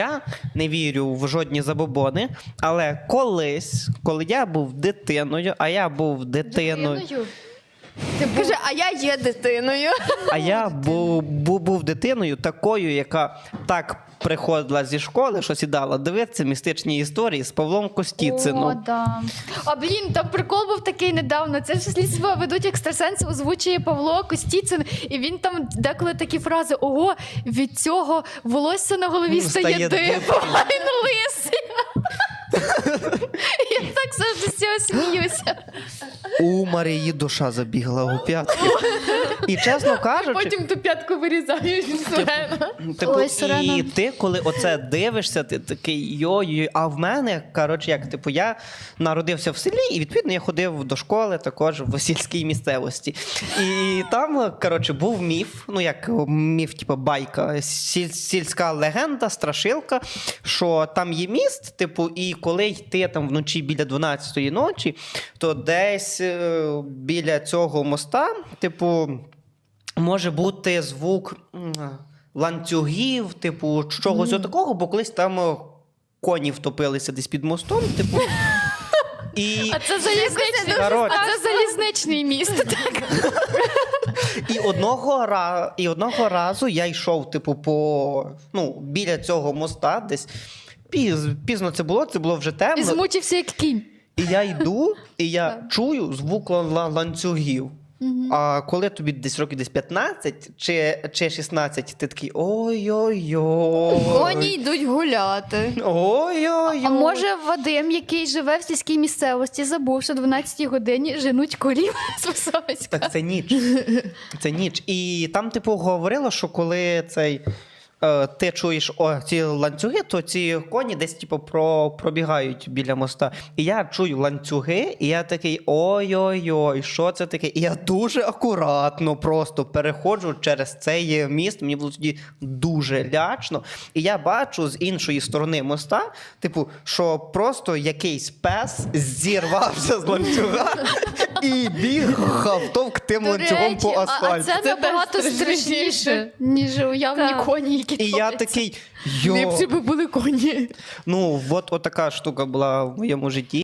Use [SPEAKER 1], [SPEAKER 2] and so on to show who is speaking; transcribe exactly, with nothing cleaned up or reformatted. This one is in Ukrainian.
[SPEAKER 1] Я не вірю в жодні забобони, але колись, коли я був дитиною, а я був дитиною,
[SPEAKER 2] Ти каже, а я є дитиною.
[SPEAKER 1] а я був, був, був дитиною такою, яка так приходила зі школи, що сідала дивитися містичні історії з Павлом Костіцином.
[SPEAKER 3] О, да. А блін, там прикол був такий недавно. Це ж слідство ведуть екстрасенси, озвучує Павло Костіцин, і він там деколи такі фрази: ого, від цього волосся на голові
[SPEAKER 1] Ну,
[SPEAKER 3] стає,
[SPEAKER 1] стає
[SPEAKER 3] дибом,
[SPEAKER 1] дибом.
[SPEAKER 3] а він лисий. Я так завжди з цього сміюся.
[SPEAKER 1] У Марії душа забігла у п'ятки. І чесно кажучи,
[SPEAKER 2] Потім ту п'ятку вирізають від Сурена.
[SPEAKER 1] типу,
[SPEAKER 3] Ой,
[SPEAKER 1] і
[SPEAKER 3] Сирена.
[SPEAKER 1] ти, коли оце дивишся, ти такий йой-йой. А в мене, коротше, як, типу, я народився в селі, і, відповідно, я ходив до школи також в сільській місцевості. І там, коротше, був міф, ну, як міф, типу, байка, сіль, сільська легенда, страшилка, що там є міст, типу, і коли йти там вночі біля дванадцятої ночі, то десь е, біля цього моста, типу, може бути звук м, ланцюгів, типу, чогось mm. такого, бо колись там е, коні втопилися десь під мостом, типу. І,
[SPEAKER 3] А це залізничний,
[SPEAKER 1] Коротше.
[SPEAKER 3] а це залізничний міст. Так.
[SPEAKER 1] і, одного, ра- і одного разу я йшов, типу, по, ну, біля цього моста десь. Піз, пізно це було, це було вже
[SPEAKER 3] І
[SPEAKER 1] темно.
[SPEAKER 3] змучився як кінь.
[SPEAKER 1] І я йду, і я чую звук лан- ланцюгів. А коли тобі десь років десь п'ятнадцять чи, чи шістнадцять, ти такий ой-ой-ой.
[SPEAKER 2] Коні йдуть гуляти.
[SPEAKER 1] Ой-ой-ой.
[SPEAKER 3] А може Вадим, який живе в сільській місцевості, забув, що о дванадцятій годині женуть корів з Висоцька?
[SPEAKER 1] Так це ніч. Це ніч. І там, типу, говорило, що коли цей... е, Ти чуєш о, ці ланцюги, то ці коні десь типу, про, пробігають біля моста. І я чую ланцюги, і я такий ой-ой-ой, що це таке? І я дуже акуратно просто переходжу через цей міст. Мені було тоді дуже лячно. І я бачу з іншої сторони моста, типу, що просто якийсь пес зірвався з ланцюга і бігав товктим ланцюгом по
[SPEAKER 3] а,
[SPEAKER 1] асфальту.
[SPEAKER 3] а це,
[SPEAKER 2] Це
[SPEAKER 3] набагато
[SPEAKER 2] теж
[SPEAKER 3] страшніше,
[SPEAKER 2] страшніше.
[SPEAKER 3] ніж уявні
[SPEAKER 2] Так.
[SPEAKER 3] коні, які
[SPEAKER 1] І я
[SPEAKER 3] топляться.
[SPEAKER 1] такий, йо.
[SPEAKER 2] Ліпше би були коні.
[SPEAKER 1] Ну, от, от така штука була в моєму житті.